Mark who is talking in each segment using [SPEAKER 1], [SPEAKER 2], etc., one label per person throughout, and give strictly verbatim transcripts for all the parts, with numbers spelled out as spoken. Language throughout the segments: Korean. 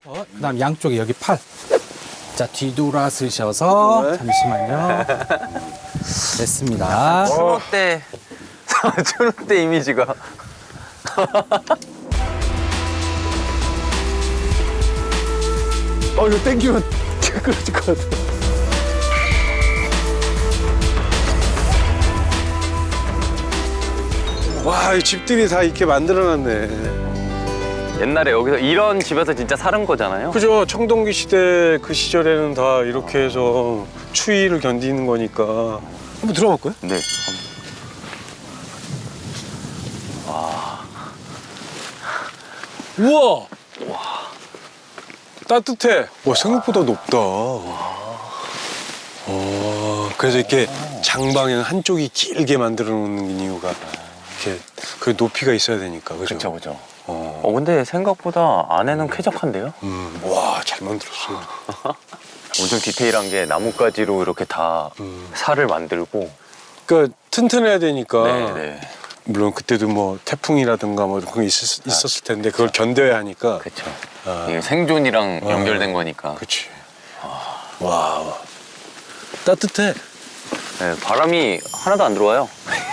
[SPEAKER 1] 어, 그다음 양쪽에 여기 팔. 자, 뒤돌아서셔서
[SPEAKER 2] 네.
[SPEAKER 1] 잠시만요. 됐습니다.
[SPEAKER 3] 추노 때, 추노 때 이미지가.
[SPEAKER 2] 어, 이거 땡기면 끊어질 것 같아. 와, 이 집들이 다 이렇게 만들어놨네.
[SPEAKER 3] 옛날에 여기서 이런 집에서 진짜 사는 거잖아요.
[SPEAKER 2] 그죠? 청동기 시대 그 시절에는 다 이렇게 해서 추위를 견디는 거니까. 한번 들어가 볼까요?
[SPEAKER 3] 네.
[SPEAKER 2] 우와! 따뜻해. 와, 생각보다 높다. 어, 그래서 이렇게 장방에는 한쪽이 길게 만들어 놓는 이유가 이렇게 그 높이가 있어야 되니까. 그죠?
[SPEAKER 3] 그렇죠, 그렇죠.
[SPEAKER 2] 어.
[SPEAKER 3] 어, 근데 생각보다 안에는 쾌적한데요?
[SPEAKER 2] 음, 와, 잘 만들었어.
[SPEAKER 3] 엄청 디테일한 게 나뭇가지로 이렇게 다
[SPEAKER 2] 음.
[SPEAKER 3] 살을 만들고.
[SPEAKER 2] 그러니까 튼튼해야 되니까.
[SPEAKER 3] 네, 네.
[SPEAKER 2] 물론 그때도 뭐 태풍이라든가 뭐 그런 게 있었, 있었을 텐데 그걸 견뎌야 하니까.
[SPEAKER 3] 그렇죠.
[SPEAKER 2] 아.
[SPEAKER 3] 이게 생존이랑
[SPEAKER 2] 어.
[SPEAKER 3] 연결된 거니까.
[SPEAKER 2] 그렇지. 와, 따뜻해.
[SPEAKER 3] 네, 바람이 하나도 안 들어와요.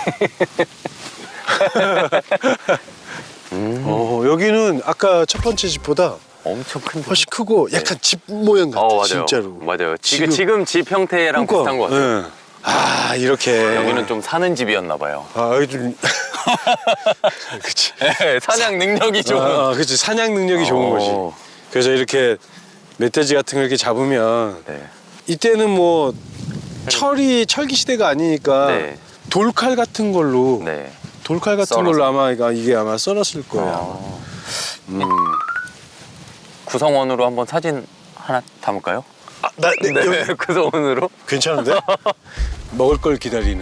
[SPEAKER 3] 음,
[SPEAKER 2] 어, 여기는 아까 첫 번째 집보다
[SPEAKER 3] 엄청 큰데.
[SPEAKER 2] 훨씬 크고 약간 집 모양 같아.
[SPEAKER 3] 어, 맞아요.
[SPEAKER 2] 진짜로.
[SPEAKER 3] 맞아요.
[SPEAKER 2] 지금-
[SPEAKER 3] 지금, 지금 집 형태랑
[SPEAKER 2] 그러니까,
[SPEAKER 3] 비슷한 것 같아요.
[SPEAKER 2] 예. 아, 이렇게.
[SPEAKER 3] 여기는 좀 사는 집이었나 봐요.
[SPEAKER 2] 아, 여기 좀. 그치.
[SPEAKER 3] 네, 사냥 능력이 좋은.
[SPEAKER 2] 아, 그치. 사냥 능력이 좋은
[SPEAKER 3] 어.
[SPEAKER 2] 거지. 그래서 이렇게 멧돼지 같은 거 이렇게 잡으면
[SPEAKER 3] 네.
[SPEAKER 2] 이때는 뭐 철이 철기 시대가 아니니까
[SPEAKER 3] 네.
[SPEAKER 2] 돌칼 같은 걸로
[SPEAKER 3] 네.
[SPEAKER 2] 돌칼 같은
[SPEAKER 3] 썰어서.
[SPEAKER 2] 걸로 아마 이거- 이게 아마 썰었을 거야.
[SPEAKER 3] 어,
[SPEAKER 2] 음.
[SPEAKER 3] 구성원으로 한번 사진 하나 담을까요?
[SPEAKER 2] 아, 나, 네,
[SPEAKER 3] 네,
[SPEAKER 2] 여기
[SPEAKER 3] 구성원으로.
[SPEAKER 2] 괜찮은데? 먹을 걸 기다리는.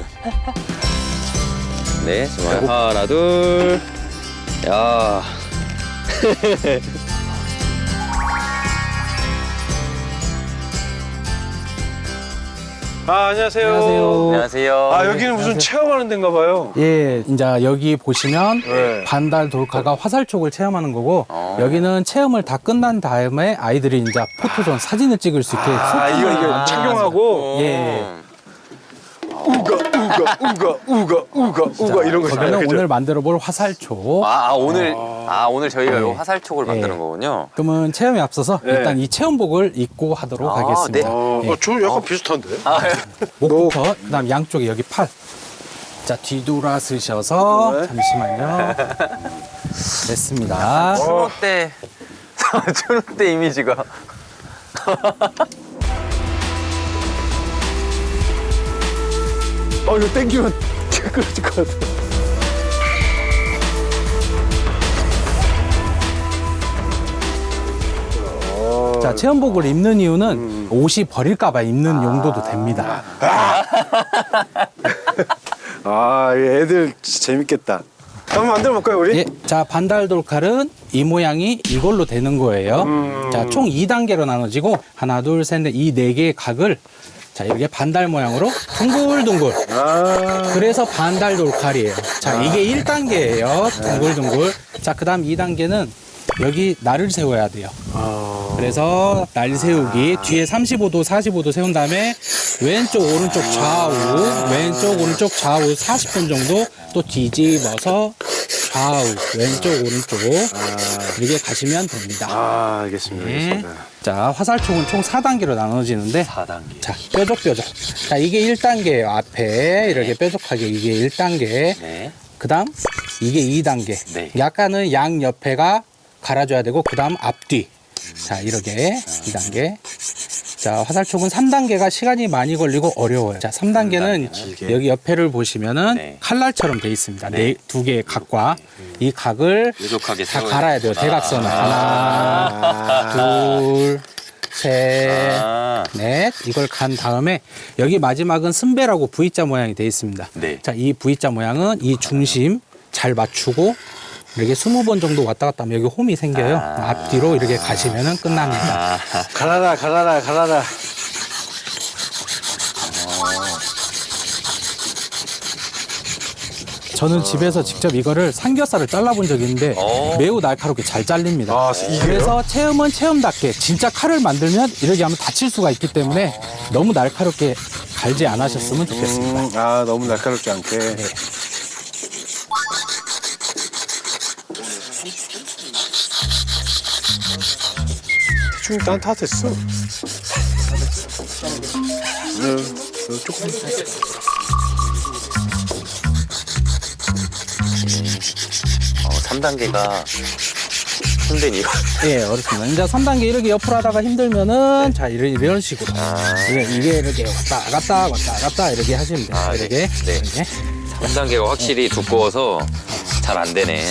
[SPEAKER 3] 네, 좋아요. 하나, 둘. 야.
[SPEAKER 2] 아, 안녕하세요.
[SPEAKER 1] 안녕하세요.
[SPEAKER 3] 안녕하세요.
[SPEAKER 2] 아, 여기는 무슨
[SPEAKER 1] 안녕하세요.
[SPEAKER 2] 체험하는 데인가 봐요.
[SPEAKER 1] 예, 이제 여기 보시면
[SPEAKER 2] 네.
[SPEAKER 1] 반달 돌카가 화살촉을 체험하는 거고
[SPEAKER 3] 어.
[SPEAKER 1] 여기는 체험을 다 끝난 다음에 아이들이 이제 포토존 사진을 찍을 수 있게
[SPEAKER 2] 아, 이거 이거
[SPEAKER 1] 아,
[SPEAKER 2] 착용하고
[SPEAKER 1] 예.
[SPEAKER 2] 우가 우가 우가 우가 우가 우가 이런 거 있잖아요.
[SPEAKER 1] 거기는
[SPEAKER 2] 그죠?
[SPEAKER 1] 오늘 만들어 볼 화살촉.
[SPEAKER 3] 아, 아, 오늘 아 오늘 저희가
[SPEAKER 1] 네.
[SPEAKER 3] 요 화살촉을
[SPEAKER 1] 네.
[SPEAKER 3] 만드는 거군요.
[SPEAKER 1] 그러면 체험에 앞서서
[SPEAKER 2] 네.
[SPEAKER 1] 일단 이 체험복을 입고 하도록
[SPEAKER 3] 아,
[SPEAKER 1] 하겠습니다.
[SPEAKER 3] 네.
[SPEAKER 2] 어,
[SPEAKER 1] 예.
[SPEAKER 2] 어, 저 약간 비슷한데?
[SPEAKER 3] 아,
[SPEAKER 1] 목부터 그다음 양쪽에 여기 팔. 자, 뒤돌아서셔서
[SPEAKER 2] 네.
[SPEAKER 1] 잠시만요. 됐습니다.
[SPEAKER 3] 추노 때 추노 때 이미지가.
[SPEAKER 2] 어, 이거 땡기면 끊어질 것 같아.
[SPEAKER 1] 자, 체험복을 입는 이유는 옷이 버릴까봐 입는 용도도 됩니다.
[SPEAKER 2] 아, 이 애들 진짜 재밌겠다. 한번 만들어 볼까요, 우리?
[SPEAKER 1] 예, 자, 반달 돌칼은 이 모양이 이걸로 되는 거예요. 자, 총 이 단계로 나눠지고 하나, 둘, 셋, 넷, 이 네 개의 각을 자, 이렇게 반달 모양으로 둥글둥글.
[SPEAKER 2] 아,
[SPEAKER 1] 그래서 반달 돌칼이에요. 자, 이게 일 단계예요. 둥글둥글. 자, 그다음 이 단계는 여기 날을 세워야 돼요.
[SPEAKER 2] 아.
[SPEAKER 1] 그래서 날 세우기 뒤에 삼십오 도, 사십오 도 세운 다음에 왼쪽, 오른쪽, 좌우, 왼쪽, 오른쪽, 좌우 사십 분 정도 또 뒤집어서 좌우, 왼쪽, 오른쪽 이렇게 가시면 됩니다.
[SPEAKER 2] 아, 알겠습니다.
[SPEAKER 1] 네.
[SPEAKER 2] 알겠습니다.
[SPEAKER 1] 자, 화살촉은 총 사 단계로 나눠지는데
[SPEAKER 3] 사 단계.
[SPEAKER 1] 자, 뾰족뾰족. 자, 이게 일 단계예요. 앞에 이렇게 뾰족하게 이게 일 단계.
[SPEAKER 3] 네.
[SPEAKER 1] 그다음 이게 이 단계.
[SPEAKER 3] 네.
[SPEAKER 1] 약간은 양 옆에가 갈아줘야 되고 그다음 앞뒤. 자, 이렇게 이 단계. 자, 화살촉은 삼 단계가 시간이 많이 걸리고 어려워요. 자, 삼 단계는
[SPEAKER 2] 길게.
[SPEAKER 1] 여기 옆에를 보시면은
[SPEAKER 3] 네.
[SPEAKER 1] 칼날처럼 돼 있습니다.
[SPEAKER 3] 네.
[SPEAKER 1] 네, 두 개의 각과 이 각을
[SPEAKER 3] 뾰족하게
[SPEAKER 1] 다
[SPEAKER 3] 세워야
[SPEAKER 1] 갈아야 돼요.
[SPEAKER 3] 되는구나.
[SPEAKER 1] 대각선을.
[SPEAKER 3] 아.
[SPEAKER 1] 하나, 둘, 셋,
[SPEAKER 3] 아.
[SPEAKER 1] 넷. 이걸 간 다음에 여기 마지막은 승배라고 V자 모양이 되어 있습니다.
[SPEAKER 3] 네.
[SPEAKER 1] 자, 이 V자 모양은 이 중심 잘 맞추고 이렇게 스무 번 정도 왔다 갔다 하면 여기 홈이 생겨요.
[SPEAKER 3] 아.
[SPEAKER 1] 앞뒤로 이렇게 가시면은 끝납니다.
[SPEAKER 3] 아.
[SPEAKER 2] 갈아라, 갈아라, 갈아라.
[SPEAKER 1] 저는 집에서 직접 이거를 삼겹살을 잘라본 적이 있는데
[SPEAKER 3] 어.
[SPEAKER 1] 매우 날카롭게 잘 잘립니다.
[SPEAKER 2] 아, 이게요?
[SPEAKER 1] 그래서 체험은 체험답게 진짜 칼을 만들면 이렇게 하면 다칠 수가 있기 때문에 너무 날카롭게 갈지 않으셨으면 좋겠습니다.
[SPEAKER 2] 음, 아, 너무 날카롭지 않게. 대충 난 다 됐어. 네, 네, 조금.
[SPEAKER 3] 어, 삼 단계가 힘든 이유.
[SPEAKER 1] 예, 어렵습니다. 이제 삼 단계 이렇게 옆으로 하다가 힘들면은 자 이런, 이런 식으로 이게, 이게 이렇게 왔다 갔다 왔다 갔다 이렇게 하시면 돼요.
[SPEAKER 3] 아, 네.
[SPEAKER 1] 이렇게
[SPEAKER 3] 네.
[SPEAKER 1] 이렇게.
[SPEAKER 3] 삼 단계가 확실히 두꺼워서 잘 안 되네.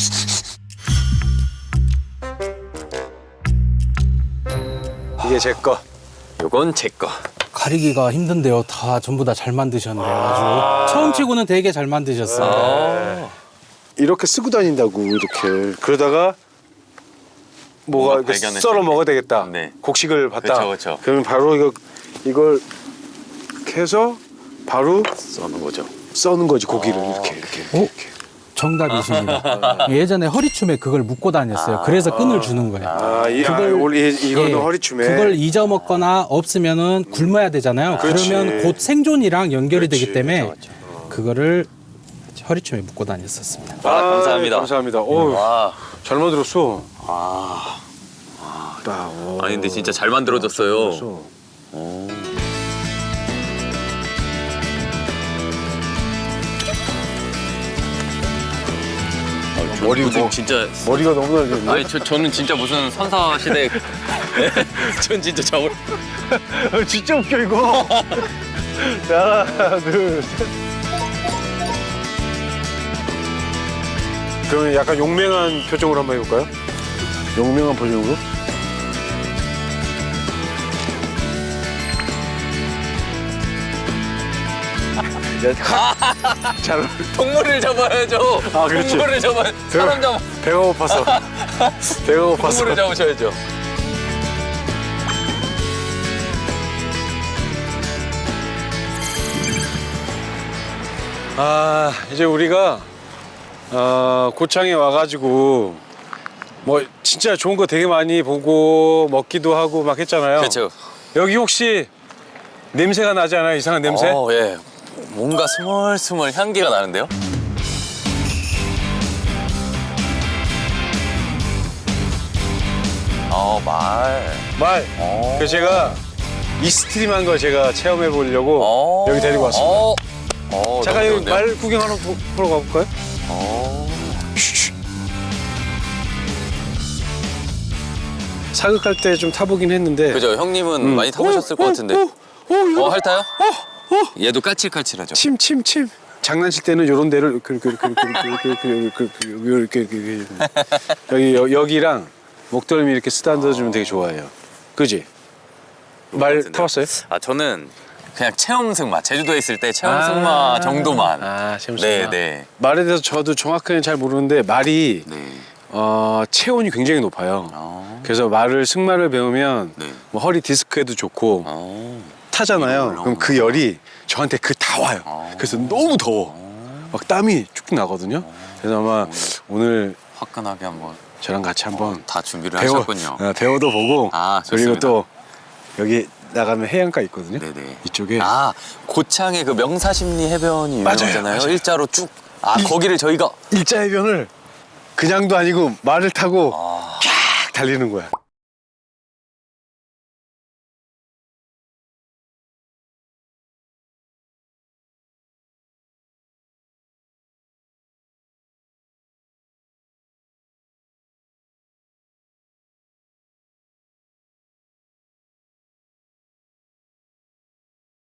[SPEAKER 2] 이게 제 거.
[SPEAKER 3] 요건 제 거.
[SPEAKER 1] 가리기가 힘든데요. 다 전부 다 잘 만드셨네요. 아주 처음 치고는 되게 잘 만드셨어요.
[SPEAKER 3] 아.
[SPEAKER 2] 이렇게 쓰고 다닌다고 이렇게. 그러다가 뭐가
[SPEAKER 3] 뭔가
[SPEAKER 2] 이렇게
[SPEAKER 3] 발견했을
[SPEAKER 2] 썰어
[SPEAKER 3] 때.
[SPEAKER 2] 먹어야 되겠다.
[SPEAKER 3] 네.
[SPEAKER 2] 곡식을 봤다.
[SPEAKER 3] 그쵸, 그쵸.
[SPEAKER 2] 그러면 바로 이거 이걸 이렇게 해서 바로
[SPEAKER 3] 써는 거죠.
[SPEAKER 2] 써는 거지 고기를
[SPEAKER 3] 아.
[SPEAKER 2] 이렇게 이렇게.
[SPEAKER 1] 어?
[SPEAKER 2] 이렇게.
[SPEAKER 1] 정답이십니다. 예전에 허리춤에 그걸 묶고 다녔어요. 그래서 끈을 주는 거예요.
[SPEAKER 2] 아, 이,
[SPEAKER 1] 그걸-
[SPEAKER 2] 아, 원래 이거는
[SPEAKER 1] 예,
[SPEAKER 2] 허리춤에.
[SPEAKER 1] 그걸 잊어먹거나 없으면은 굶어야 되잖아요.
[SPEAKER 2] 그렇지.
[SPEAKER 1] 그러면 곧 생존이랑 연결이
[SPEAKER 2] 그렇지.
[SPEAKER 1] 되기 때문에
[SPEAKER 3] 그렇죠,
[SPEAKER 1] 그거를 허리춤에 묶고 다녔었습니다.
[SPEAKER 3] 아, 감사합니다.
[SPEAKER 2] 감사합니다. 오,
[SPEAKER 3] 와.
[SPEAKER 2] 잘 만들었어.
[SPEAKER 3] 아.
[SPEAKER 2] 나, 오.
[SPEAKER 3] 아니 근데 진짜 잘 만들어졌어요.
[SPEAKER 2] 만들었어.
[SPEAKER 3] 오.
[SPEAKER 2] 머리
[SPEAKER 3] 무슨
[SPEAKER 2] 뭐-
[SPEAKER 3] 진짜
[SPEAKER 2] 머리가 너무 날겠네.
[SPEAKER 3] 아니 저 저는 진짜 무슨 선사 시대 전 진짜 저걸
[SPEAKER 2] 진짜 웃겨 이거. 하나, 둘, 셋. 그러면 약간 용맹한 표정으로 한번 해볼까요? 용맹한 표정으로? 잘 어울려.
[SPEAKER 3] 동물을 잡아야죠.
[SPEAKER 2] 아, 그렇지.
[SPEAKER 3] 동물을 잡아 사람 잡아
[SPEAKER 2] 배가 고파서. 배가 고파서.
[SPEAKER 3] 동물을 잡으셔야죠.
[SPEAKER 2] 아, 이제 우리가 어, 고창에 와가지고 뭐 진짜 좋은 거 되게 많이 보고 먹기도 하고 막 했잖아요.
[SPEAKER 3] 그렇죠.
[SPEAKER 2] 여기 혹시 냄새가 나지 않아요? 이상한 냄새?
[SPEAKER 3] 어, 예. 뭔가 스멀스멀 향기가 나는데요? 어, 말.
[SPEAKER 2] 말.
[SPEAKER 3] 어.
[SPEAKER 2] 그래서 제가 이스트림한 걸 제가 체험해 보려고
[SPEAKER 3] 어.
[SPEAKER 2] 여기 데리고 왔습니다.
[SPEAKER 3] 어. 어,
[SPEAKER 2] 잠깐
[SPEAKER 3] 너무
[SPEAKER 2] 여기
[SPEAKER 3] 좋은데요?
[SPEAKER 2] 말 구경 하나 보- 보러 가볼까요?
[SPEAKER 3] 어.
[SPEAKER 2] 쉿. 사극할 때 좀 타보긴 했는데.
[SPEAKER 3] 그죠. 형님은
[SPEAKER 2] 음.
[SPEAKER 3] 많이 타보셨을
[SPEAKER 2] 오,
[SPEAKER 3] 것
[SPEAKER 2] 오,
[SPEAKER 3] 같은데.
[SPEAKER 2] 오, 오, 이거
[SPEAKER 3] 어, 핥아요?
[SPEAKER 2] 어, 어.
[SPEAKER 3] 얘도 까칠까칠하죠.
[SPEAKER 2] 침, 침, 침. 장난칠 때는 요런 데를 이렇게 이렇게 이렇게 이렇게 이렇게 이렇게 이렇게 이렇게 이렇게 여기 여- 여기랑 목덜미 이렇게 쓰다듬어 주면 되게 좋아해요. 그지? 말
[SPEAKER 3] 같은데요?
[SPEAKER 2] 타봤어요?
[SPEAKER 3] 아, 저는 그냥 체험 승마. 제주도에 있을 때 체험 승마 정도만.
[SPEAKER 2] 아, 체험
[SPEAKER 3] 네,
[SPEAKER 2] 승마.
[SPEAKER 3] 네.
[SPEAKER 2] 말에 대해서 저도 정확하게 잘 모르는데 말이
[SPEAKER 3] 네.
[SPEAKER 2] 어, 체온이 굉장히 높아요.
[SPEAKER 3] 어.
[SPEAKER 2] 그래서 말을 승마를 배우면
[SPEAKER 3] 네.
[SPEAKER 2] 뭐 허리 디스크에도 좋고
[SPEAKER 3] 어.
[SPEAKER 2] 타잖아요. 그럼 그 열이 저한테 그 다 와요.
[SPEAKER 3] 어.
[SPEAKER 2] 그래서 너무 더워. 막 땀이 쭉쭉 나거든요. 그래서 아마 오늘
[SPEAKER 3] 화끈하게 한번
[SPEAKER 2] 저랑 같이 한번
[SPEAKER 3] 다 준비를
[SPEAKER 2] 배워,
[SPEAKER 3] 하셨군요.
[SPEAKER 2] 어, 배워도 보고
[SPEAKER 3] 아,
[SPEAKER 2] 그리고
[SPEAKER 3] 좋습니다.
[SPEAKER 2] 또 여기 나가면 해안가 있거든요.
[SPEAKER 3] 네네.
[SPEAKER 2] 이쪽에
[SPEAKER 3] 아, 고창에 그 명사심리 해변이
[SPEAKER 2] 맞아요,
[SPEAKER 3] 유명하잖아요.
[SPEAKER 2] 맞아요.
[SPEAKER 3] 일자로 쭉. 아,
[SPEAKER 2] 이-
[SPEAKER 3] 거기를 저희가
[SPEAKER 2] 일자 해변을 그냥도 아니고 말을 타고
[SPEAKER 3] 아.
[SPEAKER 2] 쫙 달리는 거야.